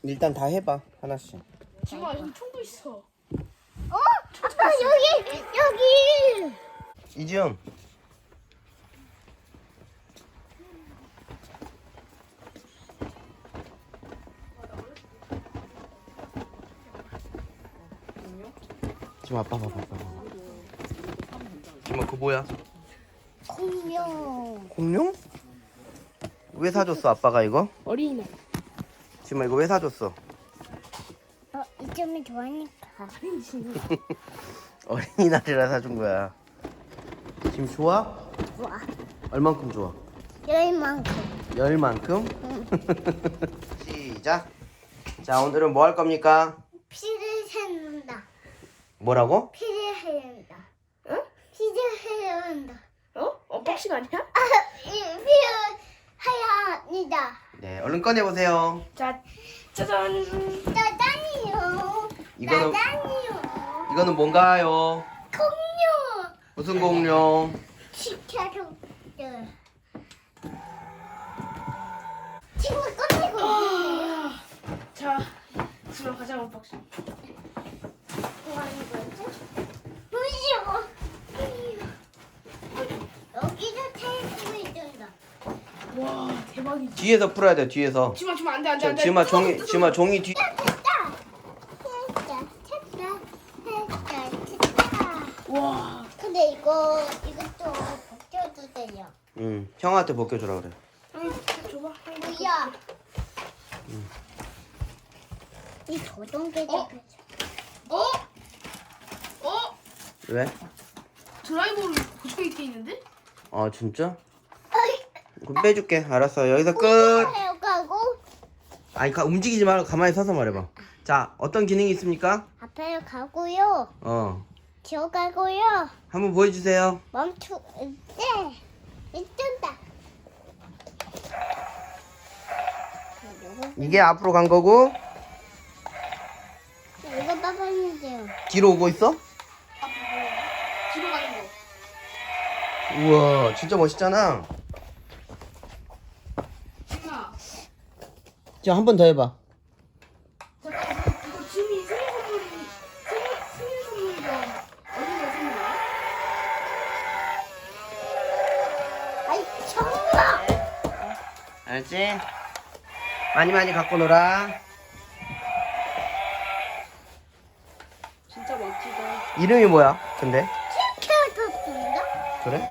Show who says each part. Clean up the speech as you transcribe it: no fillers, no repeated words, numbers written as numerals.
Speaker 1: 일단 다 해봐 하나씩.
Speaker 2: 지마 여기 총도 있어.
Speaker 3: 아빠 여기.
Speaker 1: 이지영. 지금 아빠 봐봐. 지금 그거 뭐야?
Speaker 3: 공룡.
Speaker 1: 공룡? 왜 사줬어 아빠가 이거?
Speaker 2: 어린이날.
Speaker 1: 지금 이거 왜 사줬어?
Speaker 3: 이 점을 좋아하니까.
Speaker 1: 어린이날이라 사준 거야. 지금 좋아?
Speaker 3: 좋아.
Speaker 1: 얼만큼 좋아?
Speaker 3: 열만큼.
Speaker 1: 열만큼? 시작. 자 오늘은 뭐 할 겁니까?
Speaker 3: 피를 세는다.
Speaker 1: 뭐라고?
Speaker 3: 피를 해야 한다.
Speaker 2: 응?
Speaker 3: 피를 해야 한다.
Speaker 2: 언박싱 아니야?
Speaker 3: 피를 해야 합니다.
Speaker 1: 네 얼른 꺼내보세요.
Speaker 2: 자, 짜잔.
Speaker 3: 나단이요.
Speaker 1: 이거는
Speaker 3: 나단이요.
Speaker 1: 이거는 뭔가요?
Speaker 3: 공룡.
Speaker 1: 무슨 공룡?
Speaker 3: 시켜줘. 친구 꺼내고 있는데요.
Speaker 2: 자, 지마 가자 언박싱.
Speaker 3: 뭐 하는 거지? 무서워. 여기도 테이프 있던다.
Speaker 2: 와, 대박이지.
Speaker 1: 뒤에서 풀어야 돼 뒤에서.
Speaker 2: 지마 안돼 안돼 안돼.
Speaker 1: 지마 종이 뒤.
Speaker 2: 와,
Speaker 3: 근데 이것도 벗겨도 돼요.
Speaker 1: 응 형한테 벗겨주라 그래.
Speaker 2: 응, 줘봐.
Speaker 3: 뭐야? 이 조종개들.
Speaker 1: 왜?
Speaker 2: 드라이버를 고정이 돼 있는데?
Speaker 1: 아 진짜? 그럼 빼줄게. 알았어 여기서 끝.
Speaker 3: 가고
Speaker 1: 아니 움직이지 말고 가만히 서서 말해봐. 자 어떤 기능이 있습니까?
Speaker 3: 앞에 가고요. 기어가고요.
Speaker 1: 한번 보여주세요.
Speaker 3: 멈추. 네. 있던다.
Speaker 1: 이게 앞으로 간 거고
Speaker 3: 이거 봐봤는데요.
Speaker 1: 뒤로 오고 있어?
Speaker 2: 뒤로 가는 거.
Speaker 1: 우와 진짜 멋있잖아.
Speaker 2: 지마.
Speaker 1: 자 한 번 더 해봐.
Speaker 2: 잠깐 이거 지미 생일 선물이야. 어디가 선물이야?
Speaker 3: 아이 정말.
Speaker 1: 알지? 많이 갖고 놀아.
Speaker 2: 진짜 멋지다.
Speaker 1: 이름이 뭐야 근데?
Speaker 3: 캐릭터인가?
Speaker 1: 그래?